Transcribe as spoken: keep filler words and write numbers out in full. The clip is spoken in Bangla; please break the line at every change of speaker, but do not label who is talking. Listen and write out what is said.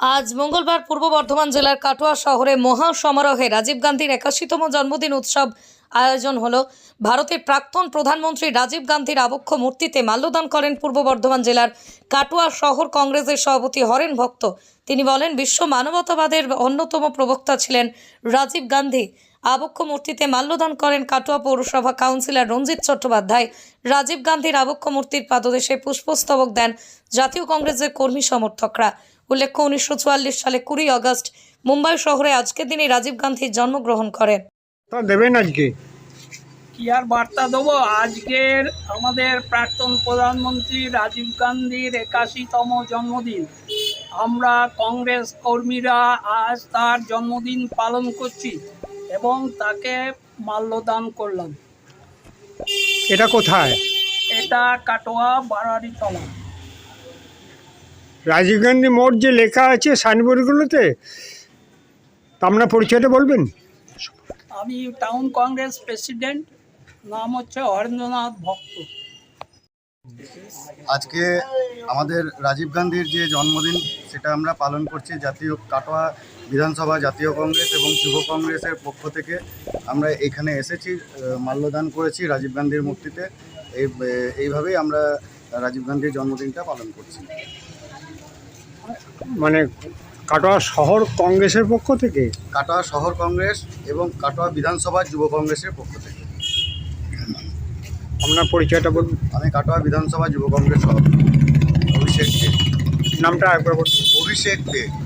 আজ মঙ্গলবার পূর্ব বর্ধমান জেলার কাটোয়া শহরে মহা সমারোহে রাজীব গান্ধীর একাশিতম জন্মদিন উৎসব আয়োজন হলো। ভারতের প্রাক্তন প্রধানমন্ত্রী রাজীব গান্ধীর আবক্ষ মূর্তিতে মাল্যদান করেন পূর্ব বর্ধমান জেলার কাটোয়া শহর কংগ্রেসের সভাপতি হরেন ভক্ত। তিনি বলেন, বিশ্ব মানবতাবাদের অন্যতম প্রবক্তা ছিলেন রাজীব গান্ধী। আবক্ষ মূর্তিতে মাল্যদান করেন কাটোয়া পৌরসভা কাউন্সিলর রঞ্জিত চট্টোপাধ্যায়। রাজীব গান্ধীর আবক্ষ মূর্তির পাদদেশে পুষ্পস্তবক দেন জাতীয় কংগ্রেসের কর্মী সমর্থকরা। উল্লেখ্য, উনিশশো চুয়াল্লিশ সালে কুড়ি আগস্ট মুম্বাই শহরে আজকের দিনে রাজীব গান্ধী জন্মগ্রহণ করেন।
তা দেবেন আজকে
কি আর বার্তা দেবো? আজকের আমাদের প্রাক্তন প্রধানমন্ত্রী রাজীব গান্ধীর একাশিতম জন্মদিন। আমরা কংগ্রেস কর্মীরা আজ তার জন্মদিন পালন করছি এবং তাকে মাল্যদান করলাম।
এটা কোথায়?
এটা কাটোয়া বারাড়িতলা।
রাজীব গান্ধী মোড় যে লেখা আছে সাইনবোর্ডগুলোতে, তা আপনার পরিচয়টা বলবেন?
আমি টাউন কংগ্রেস প্রেসিডেন্ট, নাম হচ্ছে হরেন্দ্রনাথ ভক্ত।
আজকে আমাদের রাজীব গান্ধীর যে জন্মদিন সেটা আমরা পালন করছি জাতীয় কাটোয়া বিধানসভা জাতীয় কংগ্রেস এবং যুব কংগ্রেসের পক্ষ থেকে। আমরা এখানে এসেছি, মাল্যদান করেছি রাজীব গান্ধীর মূর্তিতে। এই এইভাবেই আমরা রাজীব গান্ধীর জন্মদিনটা পালন করছি।
মানে কাটোয়া শহর কংগ্রেসের পক্ষ থেকে?
কাটোয়া শহর কংগ্রেস এবং কাটোয়া বিধানসভা যুব কংগ্রেসের পক্ষ থেকে।
আপনার পরিচয়টা বলুন।
আমি কাটোয়া বিধানসভা যুব কংগ্রেস সভাপতি অভিষেক দে।
নামটা একবার বলুন।
অভিষেক দে।